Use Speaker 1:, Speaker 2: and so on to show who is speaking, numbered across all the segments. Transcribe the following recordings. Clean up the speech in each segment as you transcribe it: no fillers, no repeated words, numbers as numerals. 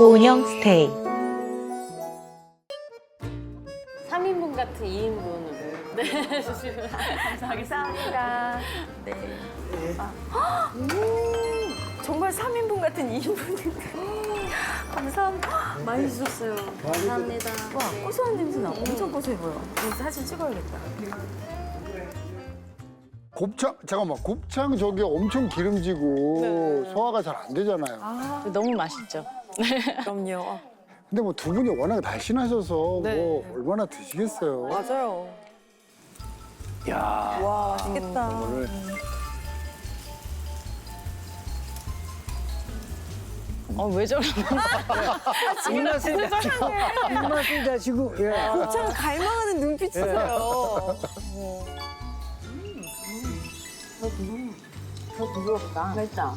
Speaker 1: 고은영 스테이.
Speaker 2: 3인분 같은 2인분으로. 네, 주시면
Speaker 3: 감사합니다. 네. 정말 3인분 같은 2인분인데. 감사합니다. 많이 주셨어요.
Speaker 2: 감사합니다.
Speaker 3: 와, 고소한 냄새 나. 엄청 고소해 보여. 이거 사진 찍어야겠다.
Speaker 4: 곱창 잠깐만 곱창 저게 엄청 기름지고 소화가 잘 안 되잖아요.
Speaker 2: 너무 맛있죠.
Speaker 3: 그럼요.
Speaker 4: 근데 뭐 두 분이 워낙 날씬하셔서
Speaker 3: 네.
Speaker 4: 뭐 얼마나 드시겠어요.
Speaker 3: 맞아요.
Speaker 5: 야,
Speaker 3: 와, 맛있겠다.
Speaker 5: 오늘
Speaker 2: 왜 저러나?
Speaker 5: 입맛을 다시고 입맛을 다시고 예.
Speaker 3: 곱창 갈망하는 눈빛이세요.
Speaker 2: 더 부드럽다. 맛있다.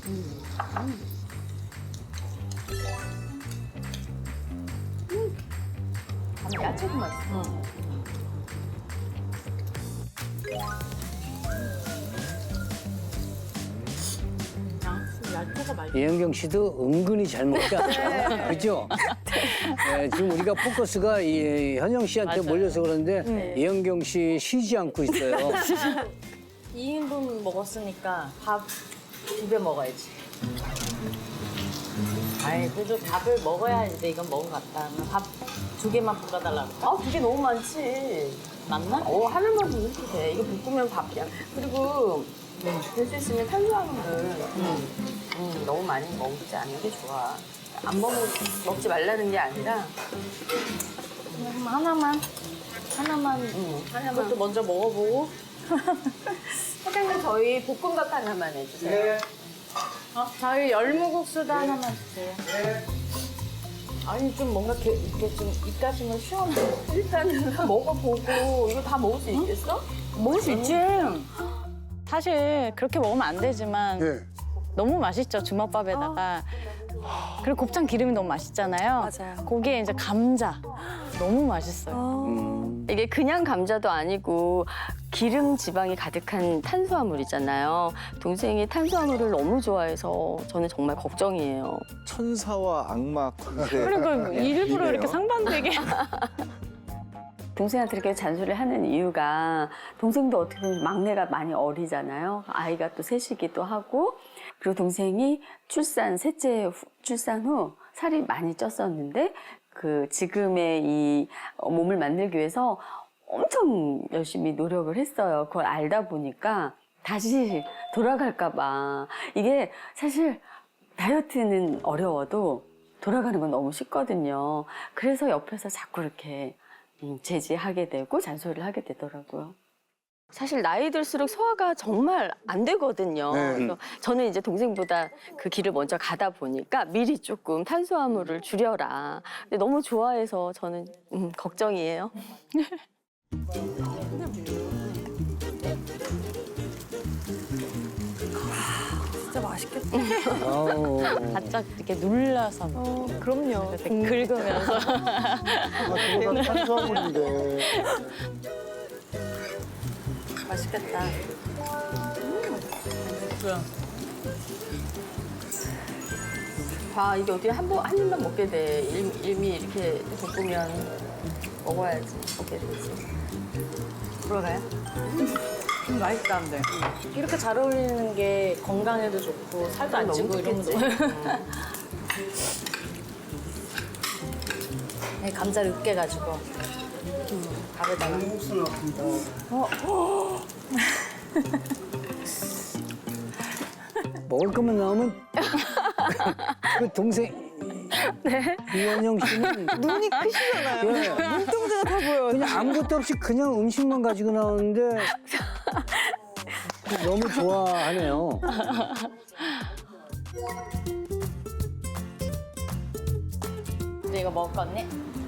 Speaker 2: 야채도 맛있어. 야채가 맛있어.
Speaker 5: 이현경 씨도 은근히 잘 먹다. 그죠? 네, 지금 우리가 포커스가 이 현영 씨한테
Speaker 2: 맞아요.
Speaker 5: 몰려서 그런데 이현경 씨 쉬지 않고 있어요.
Speaker 2: 2인분 먹었으니까 밥 2배 먹어야지. 아이, 그래도 밥을 먹어야 이제 이건 먹은 것 같다. 밥 2개만 볶아달라고.
Speaker 3: 아, 그게 너무 많지.
Speaker 2: 맞나?
Speaker 3: 하나만 더 이렇게 돼. 이거 볶으면 밥이야. 그리고 될 수 있으면 탄수화물을 너무 많이 먹지 않는 게 좋아. 안 먹지 말라는 게 아니라
Speaker 2: 하나만. 그것도 먼저 먹어보고.
Speaker 3: 사장님 저희 볶음밥 하나만 해주세요.
Speaker 2: 저희 열무국수도 하나만 주세요. 아니, 좀 뭔가 이렇게 좀 입가심을 시원해.
Speaker 3: 일단은 먹어보고 이거 다 먹을 수 있겠어?
Speaker 2: 먹을 수 있지. 사실 그렇게 먹으면 안 되지만
Speaker 4: 예.
Speaker 2: 너무 맛있죠, 주먹밥에다가. 그리고 곱창 기름이 너무 맛있잖아요.
Speaker 3: 맞아요.
Speaker 2: 거기에 이제 감자. 너무 맛있어요.
Speaker 3: 이게 그냥 감자도 아니고 기름 지방이 가득한 탄수화물이잖아요. 동생이 탄수화물을 너무 좋아해서 저는 정말 걱정이에요.
Speaker 6: 천사와 악마 관계.
Speaker 2: 그리고 일부러 이렇게 상반되게.
Speaker 3: 동생한테 이렇게 잔소리를 하는 이유가 동생도 어떻게 보면 막내가 많이 어리잖아요. 아이가 또 셋이기도 하고 그리고 동생이 셋째 출산 후 살이 많이 쪘었는데 그 지금의 이 몸을 만들기 위해서 엄청 열심히 노력을 했어요. 그걸 알다 보니까 다시 돌아갈까 봐. 이게 사실 다이어트는 어려워도 돌아가는 건 너무 쉽거든요. 그래서 옆에서 자꾸 이렇게 제지하게 되고 잔소리를 하게 되더라고요. 사실 나이 들수록 소화가 정말 안 되거든요.
Speaker 4: 네.
Speaker 3: 그래서 저는 이제 동생보다 그 길을 먼저 가다 보니까 미리 조금 탄수화물을 줄여라. 근데 너무 좋아해서 저는 걱정이에요. 진짜 맛있겠다.
Speaker 5: 아우.
Speaker 2: 바짝 이렇게 눌러서.
Speaker 3: 그럼요.
Speaker 2: 이렇게 긁으면서.
Speaker 4: 그거가 탄수화물인데.
Speaker 3: 맛있겠다. 아, 이게 어떻게 한 입만 먹게 돼. 이미 이렇게 볶으면 먹어야지. 먹게 되지. 들어가요?
Speaker 2: 맛있다, 근데. 이렇게 잘 어울리는 게 건강에도 좋고 살도 안 찌고 이런 거. 네, 감자를 으깨가지고 밥에다가.
Speaker 5: 먹을 것만 나오면 그 동생 이현영 씨는
Speaker 3: 눈이 크시잖아요.
Speaker 5: 예,
Speaker 3: 눈동자가 다 보여요.
Speaker 5: 그냥 아무것도 없이 그냥 음식만 가지고 나오는데 너무 좋아하네요.
Speaker 2: 이제 이거 먹을 거니?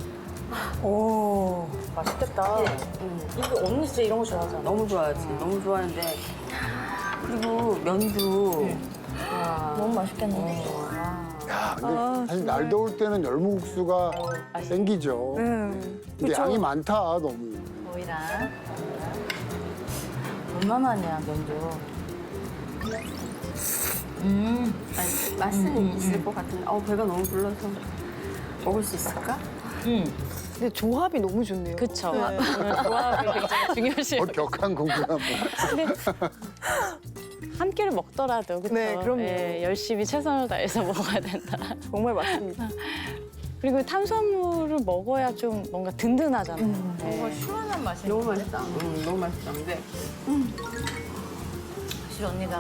Speaker 3: 오, 맛있겠다.
Speaker 2: 이거 언니 진짜 이런 거 좋아하잖아.
Speaker 3: 너무 좋아하지. 너무 좋아하는데. 그리고 면도. 와.
Speaker 2: 너무 맛있겠는데.
Speaker 4: 야, 근데 사실 날 더울 때는 열무국수가 땡기죠. 근데 양이 많다 너무.
Speaker 2: 오이랑 얼마만이야 면도.
Speaker 3: 아니, 맛은 있을 것 같은데 배가 너무 불러서 먹을 수 있을까?
Speaker 1: 근데 조합이 너무 좋네요.
Speaker 2: 그쵸. 오늘 조합이 굉장히 중요하시고.
Speaker 4: 격한 공부야 뭐.
Speaker 2: 한 끼를 먹더라도 그쵸.
Speaker 1: 네, 그럼요.
Speaker 2: 예, 열심히 최선을 다해서 먹어야 된다.
Speaker 1: 정말 맞습니다.
Speaker 2: 그리고 탄수화물을 먹어야 좀 뭔가 든든하잖아요. 네.
Speaker 3: 시원한 맛이 너무 맛있다. 너무 맛있다. 근데
Speaker 2: 사실 언니가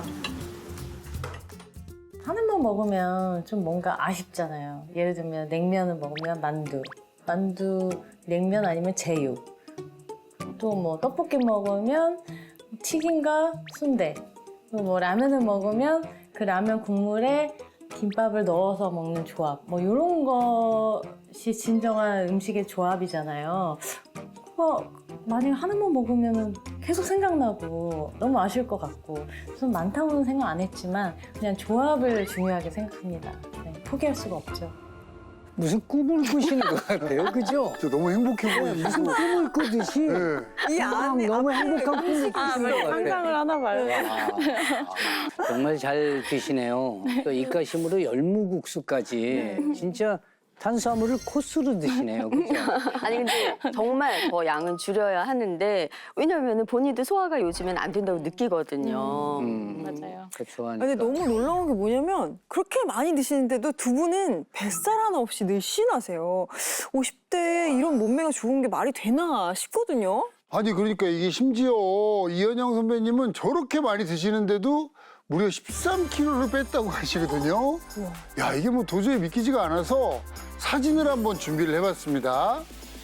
Speaker 2: 하나만 먹으면 좀 뭔가 아쉽잖아요. 예를 들면 냉면을 먹으면 만두, 냉면 아니면 제육. 또 뭐 떡볶이 먹으면 튀김과 순대. 또 뭐 라면을 먹으면 그 라면 국물에 김밥을 넣어서 먹는 조합. 뭐 이런 것이 진정한 음식의 조합이잖아요. 만약 하나만 먹으면 계속 생각나고 너무 아쉬울 것 같고 좀 많다고는 생각 안 했지만 그냥 조합을 중요하게 생각합니다. 네, 포기할 수가 없죠.
Speaker 5: 무슨 꿈을 꾸시는 것 같아요, 그죠?
Speaker 4: 저 너무 행복해 보이고.
Speaker 5: 무슨 꿈을 꾸듯이
Speaker 4: 네.
Speaker 1: 이 안에
Speaker 5: 너무 행복한 꿈을 꾸시는 것 같아요.
Speaker 2: 상상을 하나 봐요.
Speaker 5: 정말 잘 드시네요. 또 입가심으로 열무국수까지 진짜 탄수화물을 코스로 드시네요, 그죠?
Speaker 3: 아니 근데 정말 더 양은 줄여야 하는데 왜냐면은 본인도 소화가 요즘엔 안 된다고 느끼거든요.
Speaker 2: 맞아요.
Speaker 5: 그 좋아하니까.
Speaker 1: 근데 너무 놀라운 게 뭐냐면 그렇게 많이 드시는데도 두 분은 뱃살 하나 없이 늘씬하세요. 50대에 이런 몸매가 좋은 게 말이 되나 싶거든요.
Speaker 4: 아니 그러니까 이게 심지어 이현영 선배님은 저렇게 많이 드시는데도 무려 13kg를 뺐다고 하시거든요. 야 이게 뭐 도저히 믿기지가 않아서 사진을 한번 준비를 해봤습니다.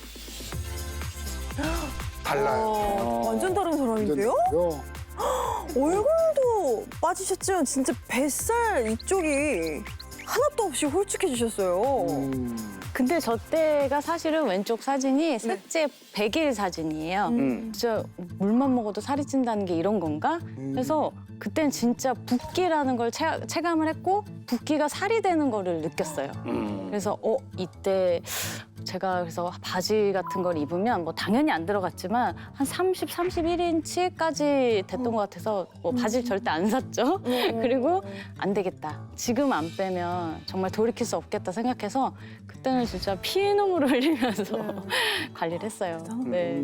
Speaker 4: 달라요.
Speaker 1: 완전 다른 사람인데요?
Speaker 4: 완전
Speaker 1: 얼굴도 빠지셨지만 진짜 뱃살 이쪽이 하나도 없이 홀쭉해지셨어요.
Speaker 2: 근데 저 때가 사실은 왼쪽 사진이 셋째 100일 사진이에요. 진짜 물만 먹어도 살이 찐다는 게 이런 건가? 그래서 그때는 진짜 붓기라는 걸 체감을 했고 붓기가 살이 되는 거를 느꼈어요. 그래서 이때 제가 그래서 바지 같은 걸 입으면 뭐 당연히 안 들어갔지만 한 30, 31인치까지 됐던 것 같아서 뭐 바지를 절대 안 샀죠. 그리고 안 되겠다. 지금 안 빼면 정말 돌이킬 수 없겠다 생각해서 그때는 진짜 피눈물을 흘리면서 관리를 했어요. 네.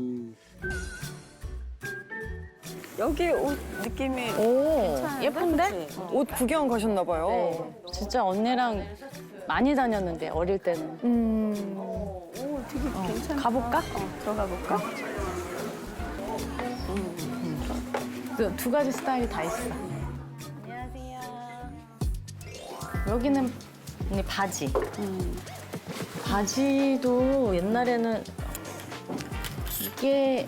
Speaker 3: 여기 옷 느낌이
Speaker 2: 오,
Speaker 3: 괜찮은데?
Speaker 2: 예쁜데?
Speaker 3: 그치?
Speaker 1: 옷 구경 가셨나 봐요.
Speaker 2: 네. 진짜 언니랑 많이 다녔는데 어릴 때는.
Speaker 3: 오 되게 괜찮아.
Speaker 2: 가볼까?
Speaker 3: 들어가 볼까?
Speaker 2: 그 두 가지 스타일이 다 있어. 안녕하세요. 여기는 언니 바지. 바지도 옛날에는 이게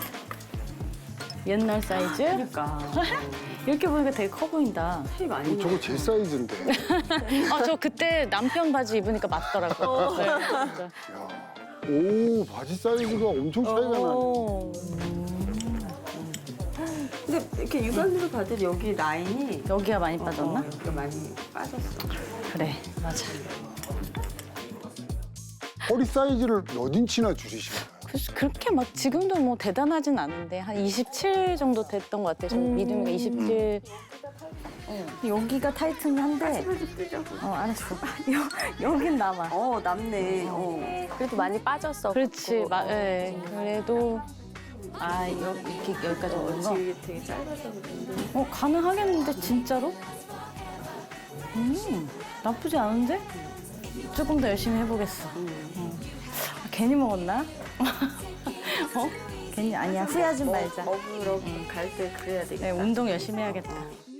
Speaker 2: 옛날 사이즈?
Speaker 3: 그러니까
Speaker 2: 이렇게 보니까 되게 커 보인다.
Speaker 3: 티 많이 나.
Speaker 4: 저거 제 사이즈인데.
Speaker 2: 저 그때 남편 바지 입으니까 맞더라고요. 네, 진짜.
Speaker 4: 오 바지 사이즈가 엄청 차이가 나네.
Speaker 3: 근데 이렇게 육안으로 봐도 여기 라인이
Speaker 2: 여기가 많이 빠졌나?
Speaker 3: 여기가 많이 빠졌어.
Speaker 2: 그래, 맞아.
Speaker 4: 허리 사이즈를 몇 인치나 줄이신 거예요?
Speaker 2: 그래서 그렇게 막 지금도 뭐 대단하진 않은데 한 27 정도 됐던 것 같아요. 저 미디움이가 27. 여기가 타이트는 한데. 알았어. 여긴 남아.
Speaker 3: 남네. 그래도 많이 빠졌어.
Speaker 2: 그렇지, 예. 그래도 이렇게 여기까지 오는 거.
Speaker 3: 되게 짧아서 그런데.
Speaker 2: 가능하겠는데 진짜로? 나쁘지 않은데? 조금 더 열심히 해보겠어. 괜히 먹었나? 괜히 아니야. 후회하지 말자.
Speaker 3: 먹으러 갈 때 그래야 되겠다.
Speaker 2: 네, 운동 열심히 해야겠다.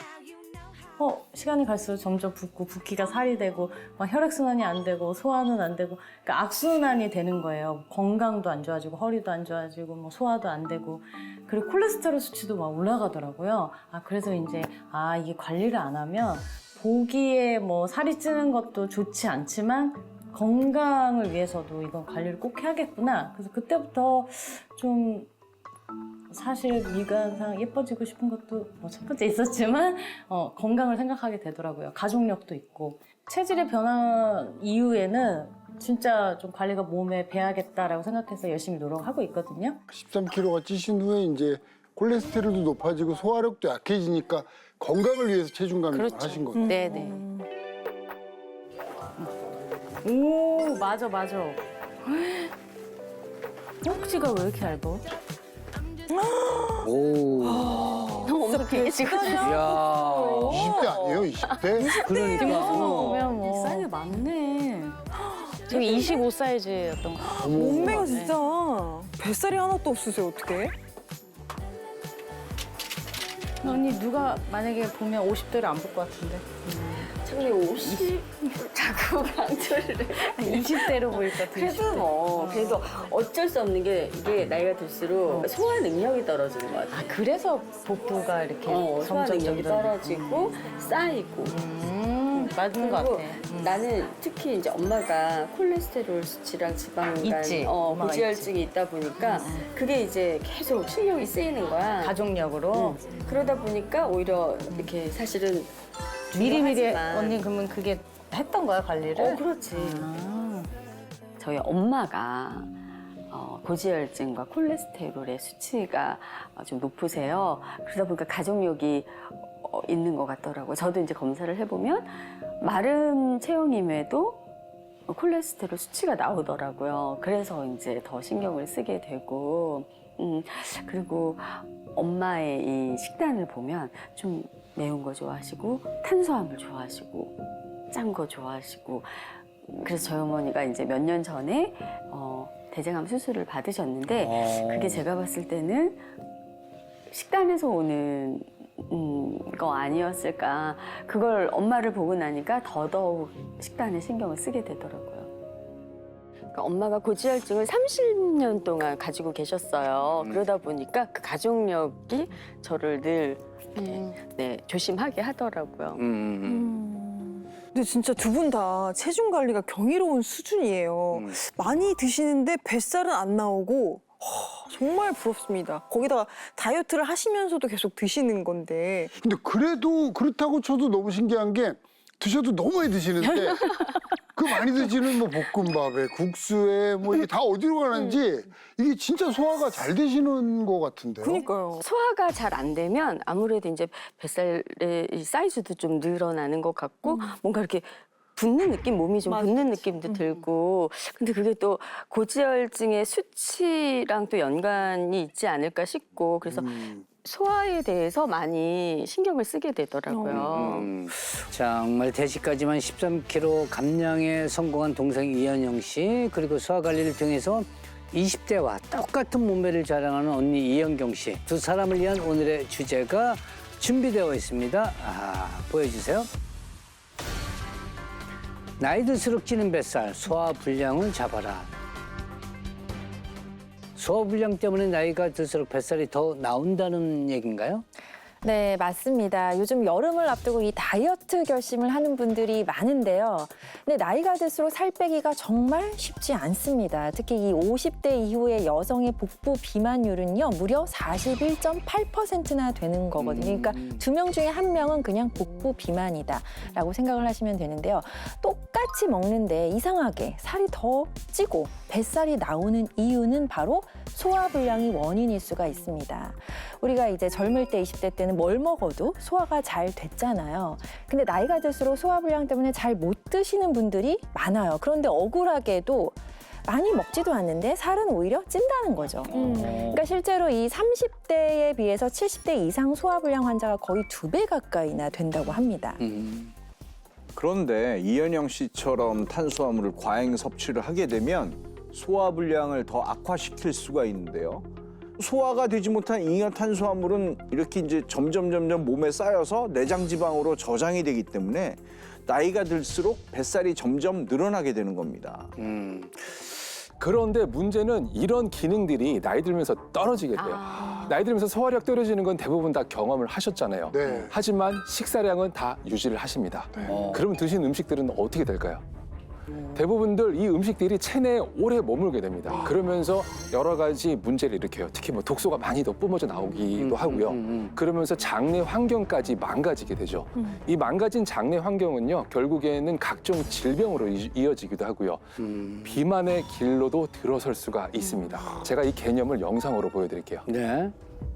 Speaker 2: 시간이 갈수록 점점 붓고 붓기가 살이 되고 막 혈액순환이 안 되고 소화는 안 되고 그러니까 악순환이 되는 거예요. 건강도 안 좋아지고 허리도 안 좋아지고 뭐 소화도 안 되고 그리고 콜레스테롤 수치도 막 올라가더라고요. 그래서 이제 이게 관리를 안 하면 보기에 뭐 살이 찌는 것도 좋지 않지만 건강을 위해서도 이건 관리를 꼭 해야겠구나. 그래서 그때부터 좀 사실 미간상 예뻐지고 싶은 것도 뭐 첫 번째 있었지만 건강을 생각하게 되더라고요. 가족력도 있고 체질의 변화 이후에는 진짜 좀 관리가 몸에 배야겠다라고 생각해서 열심히 노력하고 있거든요.
Speaker 4: 13kg가 찌신 후에 이제 콜레스테롤도 높아지고 소화력도 약해지니까 건강을 위해서 체중 감량을
Speaker 2: 그렇죠.
Speaker 4: 하신 거죠.
Speaker 3: 네네.
Speaker 2: 오, 맞아. 허벅지가 왜 이렇게 얇아?
Speaker 5: 오.
Speaker 3: 너무 되게 지금
Speaker 5: 야.
Speaker 4: 20대 아니에요? 20대?
Speaker 5: 그러니까.
Speaker 2: 보면 뭐
Speaker 3: 사이즈 많네.
Speaker 2: 지금 25 사이즈였던 거 같아요.
Speaker 1: 몸매가 진짜 뱃살이 하나도 없으세요, 어떻게?
Speaker 2: 언니 누가 만약에 보면 50대를 안 볼 것 같은데
Speaker 3: 근데 50 자꾸 강조를 해.
Speaker 2: 20대로 보일 것 같은데
Speaker 3: 그래도 뭐 그래도 어쩔 수 없는 게 이게 나이가 들수록 소화 능력이 떨어지는 것 같아.
Speaker 2: 아 그래서 복부가 이렇게
Speaker 3: 소화 능력이
Speaker 2: 점점
Speaker 3: 떨어지고 쌓이고.
Speaker 2: 맞는 것
Speaker 3: 그리고
Speaker 2: 같아.
Speaker 3: 나는 특히 이제 엄마가 콜레스테롤 수치랑 지방간
Speaker 2: 있지. 엄마가
Speaker 3: 고지혈증이 있다 보니까 그게 이제 계속 신경이 쓰이는 거야.
Speaker 2: 가족력으로
Speaker 3: 그러다 보니까 오히려 이렇게 사실은
Speaker 2: 미리미리
Speaker 3: 중요하지만
Speaker 2: 언니 그러면 그게 했던 거야 관리를?
Speaker 3: 그렇지.
Speaker 2: 아.
Speaker 3: 저희 엄마가 고지혈증과 콜레스테롤의 수치가 좀 높으세요. 그러다 보니까 가족력이 있는 것 같더라고요. 저도 이제 검사를 해보면 마른 체형임에도 콜레스테롤 수치가 나오더라고요. 그래서 이제 더 신경을 쓰게 되고, 그리고 엄마의 이 식단을 보면 좀 매운 거 좋아하시고, 탄수화물 좋아하시고, 짠 거 좋아하시고, 그래서 저희 어머니가 이제 몇 년 전에 대장암 수술을 받으셨는데, 그게 제가 봤을 때는 식단에서 오는 거 아니었을까. 그걸 엄마를 보고 나니까 더더욱 식단에 신경을 쓰게 되더라고요. 그러니까 엄마가 고지혈증을 30년 동안 가지고 계셨어요. 그러다 보니까 그 가족력이 저를 늘 조심하게 하더라고요.
Speaker 1: 근데 진짜 두 분 다 체중 관리가 경이로운 수준이에요. 많이 드시는데 뱃살은 안 나오고 정말 부럽습니다. 거기다가 다이어트를 하시면서도 계속 드시는 건데
Speaker 4: 근데 그래도 그렇다고 쳐도 너무 신기한 게 드셔도 너무 많이 드시는데 그 많이 드시는 뭐 볶음밥에 국수에 뭐 이게 다 어디로 가는지 이게 진짜 소화가 잘 되시는 것 같은데요.
Speaker 1: 그러니까요.
Speaker 3: 소화가 잘 안 되면 아무래도 이제 뱃살의 이 사이즈도 좀 늘어나는 것 같고 뭔가 이렇게 붓는 느낌, 몸이 좀 붓는 느낌도 들고. 근데 그게 또 고지혈증의 수치랑 또 연관이 있지 않을까 싶고 그래서 소화에 대해서 많이 신경을 쓰게 되더라고요.
Speaker 5: 정말 대식까지만 13kg 감량에 성공한 동생 이현영 씨, 그리고 소화 관리를 통해서 20대와 똑같은 몸매를 자랑하는 언니 이현경 씨. 두 사람을 위한 오늘의 주제가 준비되어 있습니다. 보여주세요. 나이 들수록 찌는 뱃살, 소화불량을 잡아라. 소화불량 때문에 나이가 들수록 뱃살이 더 나온다는 얘기인가요?
Speaker 7: 네, 맞습니다. 요즘 여름을 앞두고 이 다이어트 결심을 하는 분들이 많은데요. 근데 나이가 들수록 살 빼기가 정말 쉽지 않습니다. 특히 이 50대 이후의 여성의 복부 비만율은요, 무려 41.8%나 되는 거거든요. 그러니까 2명 중에 1명은 그냥 복부 비만이다라고 생각을 하시면 되는데요. 똑같이 먹는데 이상하게 살이 더 찌고 뱃살이 나오는 이유는 바로 소화불량이 원인일 수가 있습니다. 우리가 이제 젊을 때 20대 때는 뭘 먹어도 소화가 잘 됐잖아요. 근데 나이가 들수록 소화불량 때문에 잘 못 드시는 분들이 많아요. 그런데 억울하게도 많이 먹지도 않는데 살은 오히려 찐다는 거죠. 그러니까 실제로 이 30대에 비해서 70대 이상 소화불량 환자가 거의 2배 가까이나 된다고 합니다.
Speaker 6: 그런데 이현영 씨처럼 탄수화물을 과잉 섭취를 하게 되면 소화불량을 더 악화시킬 수가 있는데요. 소화가 되지 못한 잉여 탄수화물은 이렇게 이제 점점 몸에 쌓여서 내장 지방으로 저장이 되기 때문에 나이가 들수록 뱃살이 점점 늘어나게 되는 겁니다.
Speaker 8: 그런데 문제는 이런 기능들이 나이 들면서 떨어지게 돼요. 나이 들면서 소화력 떨어지는 건 대부분 다 경험을 하셨잖아요.
Speaker 4: 네.
Speaker 8: 하지만 식사량은 다 유지를 하십니다. 그럼 드신 음식들은 어떻게 될까요? 대부분들 이 음식들이 체내에 오래 머물게 됩니다. 그러면서 여러 가지 문제를 일으켜요. 특히 뭐 독소가 많이 더 뿜어져 나오기도 하고요. 그러면서 장내 환경까지 망가지게 되죠. 이 망가진 장내 환경은요, 결국에는 각종 질병으로 이어지기도 하고요. 비만의 길로도 들어설 수가 있습니다. 제가 이 개념을 영상으로 보여드릴게요.
Speaker 5: 네.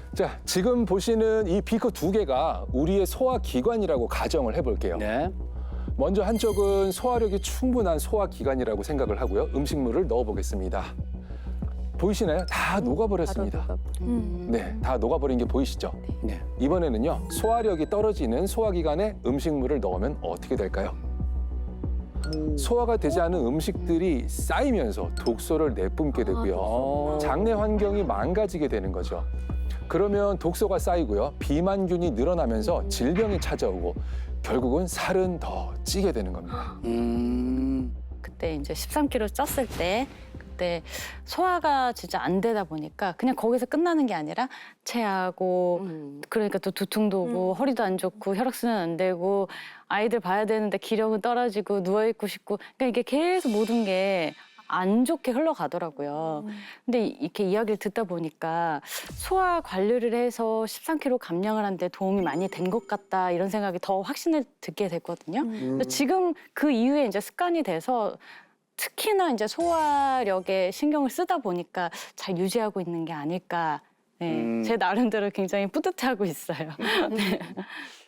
Speaker 8: 자, 지금 보시는 이 비커 2개가 우리의 소화기관이라고 가정을 해볼게요.
Speaker 5: 네.
Speaker 8: 먼저 한쪽은 소화력이 충분한 소화기관이라고 생각을 하고요. 음식물을 넣어보겠습니다. 보이시나요? 다 녹아버렸습니다. 네, 다 녹아버린 게 보이시죠?
Speaker 5: 네.
Speaker 8: 이번에는요, 소화력이 떨어지는 소화기관에 음식물을 넣으면 어떻게 될까요? 소화가 되지 않은 음식들이 쌓이면서 독소를 내뿜게 되고요. 장내 환경이 망가지게 되는 거죠. 그러면 독소가 쌓이고요. 비만균이 늘어나면서 질병이 찾아오고 결국은 살은 더 찌게 되는 겁니다.
Speaker 2: 그때 이제 13kg 쪘을 때 그때 소화가 진짜 안 되다 보니까 그냥 거기서 끝나는 게 아니라 체하고 그러니까 또 두통도 오고 허리도 안 좋고 혈액순환 안 되고 아이들 봐야 되는데 기력은 떨어지고 누워있고 싶고 그러니까 이게 계속 모든 게 안 좋게 흘러가더라고요. 근데 이렇게 이야기를 듣다 보니까 소화 관리를 해서 13kg 감량을 하는데 도움이 많이 된 것 같다 이런 생각이 더 확신을 듣게 됐거든요. 그래서 지금 그 이후에 이제 습관이 돼서 특히나 이제 소화력에 신경을 쓰다 보니까 잘 유지하고 있는 게 아닐까. 네, 제 나름대로 굉장히 뿌듯해하고 있어요. 네.